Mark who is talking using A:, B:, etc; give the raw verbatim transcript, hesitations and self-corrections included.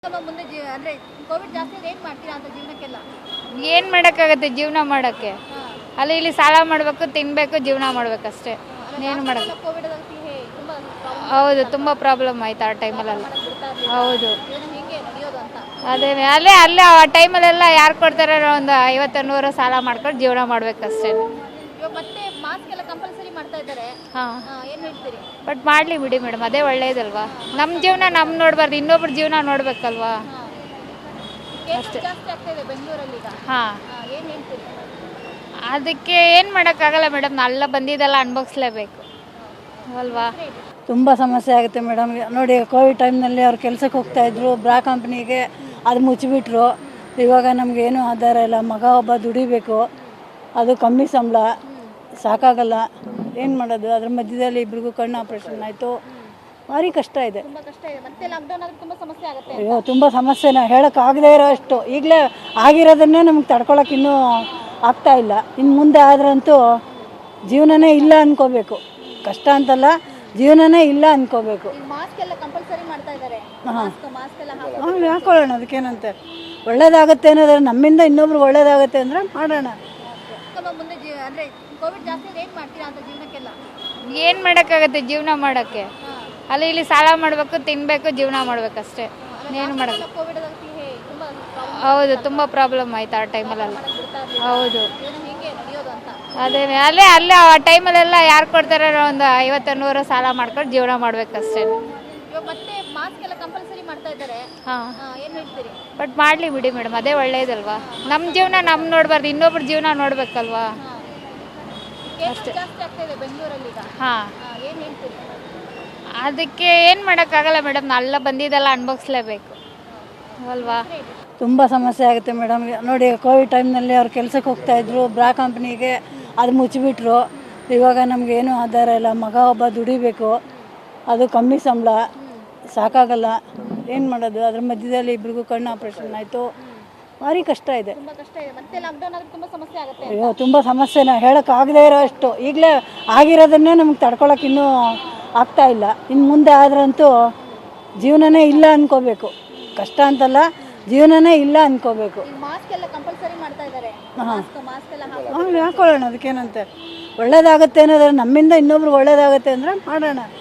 A: ಮುಂದೆ ಜೀವ ಅಂದ್ರೆ ಕೋವಿಡ್ ಜಾಸ್ತಿ ಏನ್ ಮಾಡ್ತೀರಾ ಅಂತ ಜೀವನಕ್ಕೆಲ್ಲ
B: ಏನು ಮಾಡೋಕ್ಕಾಗತ್ತೆ ಜೀವನ ಮಾಡೋಕ್ಕೆ ಅಲ್ಲಿ ಇಲ್ಲಿ ಸಾಲ ಮಾಡಬೇಕು ತಿನ್ನಬೇಕು ಜೀವನ ಮಾಡಬೇಕಷ್ಟೇ ಏನು ಮಾಡೋದು
A: ಕೋವಿಡ್ ತುಂಬಾ
B: ಹೌದು ತುಂಬ ಪ್ರಾಬ್ಲಮ್ ಆಯ್ತು ಆ ಟೈಮಲ್ಲೆಲ್ಲ ಹೌದು
A: ಹೇಗೆ ನಡೆಯೋದು ಅಂತ
B: ಅದೇ ಅಲ್ಲೇ ಅಲ್ಲೇ ಆ ಟೈಮಲ್ಲೆಲ್ಲ ಯಾರು ಕೊಡ್ತಾರೆ ಒಂದು ಐವತ್ತು ನೂರು ಸಾಲ ಮಾಡ್ಕೊಂಡು ಜೀವನ ಮಾಡಬೇಕಷ್ಟೇ
A: ಇವಾಗ ಮತ್ತೆ ಮಾಸ್ಕ್ ಎಲ್ಲ ಕಂಪಲ್ಸರಿ ಮಾಡ್ತಾ ಇದ್ದಾರೆ
B: ಹಾಂ
A: ಏನ್ ಹೇಳ್ತೀರಿ
B: ಬಟ್ ಮಾಡಲಿ ಬಿಡಿ ಮೇಡಮ್ ಅದೇ ಒಳ್ಳೇದಲ್ವಾ ನಮ್ಮ ಜೀವನ ನಮ್ಮ ನೋಡಬಾರ್ದು ಇನ್ನೊಬ್ರ ಜೀವನ ನೋಡಬೇಕಲ್ವಾ
A: ಅಷ್ಟೇ ಜಾಸ್ತಿ ಆಗ್ತಾ ಇದೆ ಬೆಂಗಳೂರಲ್ಲಿ ಈಗ
B: ಹಾಂ
A: ಏನ್ ಹೇಳ್ತೀರಿ
B: ಅದಕ್ಕೆ ಏನು ಮಾಡೋಕ್ಕಾಗಲ್ಲ ಮೇಡಮ್ ಎಲ್ಲ ಬಂದಿದ್ದೆಲ್ಲ ಅನುಭವಿಸ್ಲೇಬೇಕು ಅಲ್ವಾ
C: ತುಂಬ ಸಮಸ್ಯೆ ಆಗುತ್ತೆ ಮೇಡಮ್. ನೋಡಿ ಕೋವಿಡ್ ಟೈಮ್ನಲ್ಲಿ ಅವ್ರು ಕೆಲಸಕ್ಕೆ ಹೋಗ್ತಾಯಿದ್ರು ಬ್ರಾ ಕಂಪ್ನಿಗೆ, ಅದು ಮುಚ್ಚಿಬಿಟ್ರು. ಇವಾಗ ನಮಗೇನು ಆಧಾರ ಇಲ್ಲ. ಮಗ ಒಬ್ಬ ದುಡಿಬೇಕು, ಅದು ಕಮ್ಮಿ ಸಂಬಳ, ಸಾಕಾಗಲ್ಲ. ಏನು ಮಾಡೋದು? ಅದ್ರ ಮಧ್ಯದಲ್ಲಿ ಇಬ್ರಿಗೂ ಕಣ್ಣು ಆಪ್ರೇಷನ್ ಆಯಿತು. ಭಾರಿ ಕಷ್ಟ ಇದೆ.
A: ತುಂಬಾ ಕಷ್ಟ ಇದೆ. ಮತ್ತೆ ಲಾಕ್ಡೌನ್ ಆದ್ರೆ ತುಂಬಾ ಸಮಸ್ಯೆ ಆಗುತ್ತೆ.
C: ಅಯ್ಯೋ ತುಂಬ ಸಮಸ್ಯೆನ ಹೇಳೋಕ್ಕಾಗದೇ ಇರೋ ಅಷ್ಟು. ಈಗಲೇ ಆಗಿರೋದನ್ನೇ ನಮ್ಗೆ ತಡ್ಕೊಳಕ್ಕೆ ಇನ್ನೂ ಆಗ್ತಾ ಇಲ್ಲ. ಇನ್ನು ಮುಂದೆ ಆದ್ರಂತೂ ಜೀವನನೇ ಇಲ್ಲ ಅಂದ್ಕೋಬೇಕು. ಕಷ್ಟ ಅಂತಲ್ಲ, ಜೀವನನೇ ಇಲ್ಲ ಅಂದ್ಕೋಬೇಕು.
A: ಮಾಸ್ಕ್ ಎಲ್ಲ ಕಂಪಲ್ಸರಿ ಮಾಡ್ತಾ ಇದ್ದಾರೆ. ಮಾಸ್ಕ್ ಮಾಸ್ಕ್ ಎಲ್ಲ
C: ಹಾಂ ಹಾಕೊಳ್ಳೋಣ, ಅದಕ್ಕೇನಂತೆ. ಒಳ್ಳೇದಾಗುತ್ತೆ ಅನ್ನೋದ್ರೆ ನಮ್ಮಿಂದ ಇನ್ನೊಬ್ರಿಗೆ ಒಳ್ಳೇದಾಗುತ್ತೆ ಅಂದರೆ ಮಾಡೋಣ.
A: ಮುಂದೆ ಜೀವ ಅಂದ್ರೆ ಕೋವಿಡ್ ಜಾಸ್ತಿ ಏನ್ ಮಾಡ್ತೀರಾ ಅಂತ ಜೀವನಕ್ಕೆಲ್ಲ
B: ಏನು ಮಾಡೋಕ್ಕಾಗತ್ತೆ ಜೀವನ ಮಾಡೋಕ್ಕೆ ಅಲ್ಲಿ ಇಲ್ಲಿ ಸಾಲ ಮಾಡಬೇಕು ತಿನ್ನಬೇಕು ಜೀವನ ಮಾಡಬೇಕಷ್ಟೇ ಏನು ಮಾಡೋದು
A: ಕೋವಿಡ್ ತುಂಬಾ
B: ಹೌದು ತುಂಬ ಪ್ರಾಬ್ಲಮ್ ಆಯ್ತು ಆ ಟೈಮಲ್ಲೆಲ್ಲ ಹೌದು
A: ಹೇಗೆ ನಡೆಯೋದು ಅಂತ
B: ಅದೇ ಅಲ್ಲೇ ಅಲ್ಲೇ ಆ ಟೈಮಲ್ಲೆಲ್ಲ ಯಾರು ಕೊಡ್ತಾರೆ ಒಂದು ಐವತ್ತು ನೂರು ಸಾಲ ಮಾಡ್ಕೊಂಡು ಜೀವನ ಮಾಡಬೇಕಷ್ಟೇ
A: ಇವಾಗ ಮತ್ತೆ ಮಾಸ್ಕ್ ಎಲ್ಲ ಕಂಪಲ್ಸರಿ ಮಾಡ್ತಾ ಇದ್ದಾರೆ.
B: ಹಾಂ
A: ಏನ್ ಹೇಳ್ತೀರಿ?
B: ಬಟ್ ಮಾಡಲಿ ಬಿಡಿ ಮೇಡಮ್ ಅದೇ ಒಳ್ಳೇದಲ್ವಾ ನಮ್ಮ ಜೀವನ ನಮ್ಮ ನೋಡಬಾರ್ದು ಇನ್ನೊಬ್ರ ಜೀವನ ನೋಡಬೇಕಲ್ವಾ
A: ಅಷ್ಟೇ ಜಾಸ್ತಿ ಆಗ್ತಾ ಇದೆ ಬೆಂಗಳೂರಲ್ಲಿ ಈಗ
B: ಹಾಂ
A: ಏನ್ ಹೇಳ್ತೀರಿ?
B: ಅದಕ್ಕೆ ಏನು ಮಾಡೋಕ್ಕಾಗಲ್ಲ ಮೇಡಮ್ ಎಲ್ಲ ಬಂದಿದ್ದೆಲ್ಲ ಅನುಭವಿಸ್ಲೇಬೇಕು ಅಲ್ವಾ
C: ತುಂಬ ಸಮಸ್ಯೆ ಆಗುತ್ತೆ ಮೇಡಮ್. ನೋಡಿ ಕೋವಿಡ್ ಟೈಮ್ನಲ್ಲಿ ಅವ್ರು ಕೆಲಸಕ್ಕೆ ಹೋಗ್ತಾಯಿದ್ರು ಬ್ರಾ ಕಂಪ್ನಿಗೆ, ಅದು ಮುಚ್ಚಿಬಿಟ್ರು. ಇವಾಗ ನಮಗೇನು ಆಧಾರ ಇಲ್ಲ. ಮಗ ಒಬ್ಬ ದುಡಿಬೇಕು, ಅದು ಕಮ್ಮಿ ಸಂಬಳ, ಸಾಕಾಗಲ್ಲ. ಏನು ಮಾಡೋದು? ಅದ್ರ ಮಧ್ಯದಲ್ಲಿ ಇಬ್ರಿಗೂ ಕಣ್ಣು ಆಪ್ರೇಷನ್ ಆಯಿತು. ಭಾರಿ ಕಷ್ಟ ಇದೆ.
A: ತುಂಬಾ ಕಷ್ಟ ಇದೆ. ಮತ್ತೆ ಲಾಕ್ಡೌನ್ ಆದ್ರೆ ತುಂಬಾ ಸಮಸ್ಯೆ ಆಗುತ್ತೆ.
C: ಅಯ್ಯೋ ತುಂಬ ಸಮಸ್ಯೆನ ಹೇಳೋಕ್ಕಾಗದೇ ಇರೋ ಅಷ್ಟು. ಈಗಲೇ ಆಗಿರೋದನ್ನೇ ನಮ್ಗೆ ತಡ್ಕೊಳಕ್ಕೆ ಇನ್ನೂ ಆಗ್ತಾ ಇಲ್ಲ. ಇನ್ನು ಮುಂದೆ ಆದ್ರಂತೂ ಜೀವನನೇ ಇಲ್ಲ ಅಂದ್ಕೋಬೇಕು. ಕಷ್ಟ ಅಂತಲ್ಲ, ಜೀವನನೇ ಇಲ್ಲ ಅಂದ್ಕೋಬೇಕು.
A: ಮಾಸ್ಕ್ ಎಲ್ಲ ಕಂಪಲ್ಸರಿ ಮಾಡ್ತಾ ಇದ್ದಾರೆ. ಮಾಸ್ಕ್ ಮಾಸ್ಕ್ ಎಲ್ಲ
C: ಹಾಂ ಹಾಕೊಳ್ಳೋಣ, ಅದಕ್ಕೇನಂತೆ. ಒಳ್ಳೇದಾಗುತ್ತೆ ಅನ್ನೋದ್ರೆ ನಮ್ಮಿಂದ ಇನ್ನೊಬ್ರಿಗೆ ಒಳ್ಳೇದಾಗುತ್ತೆ ಅಂದರೆ ಮಾಡೋಣ.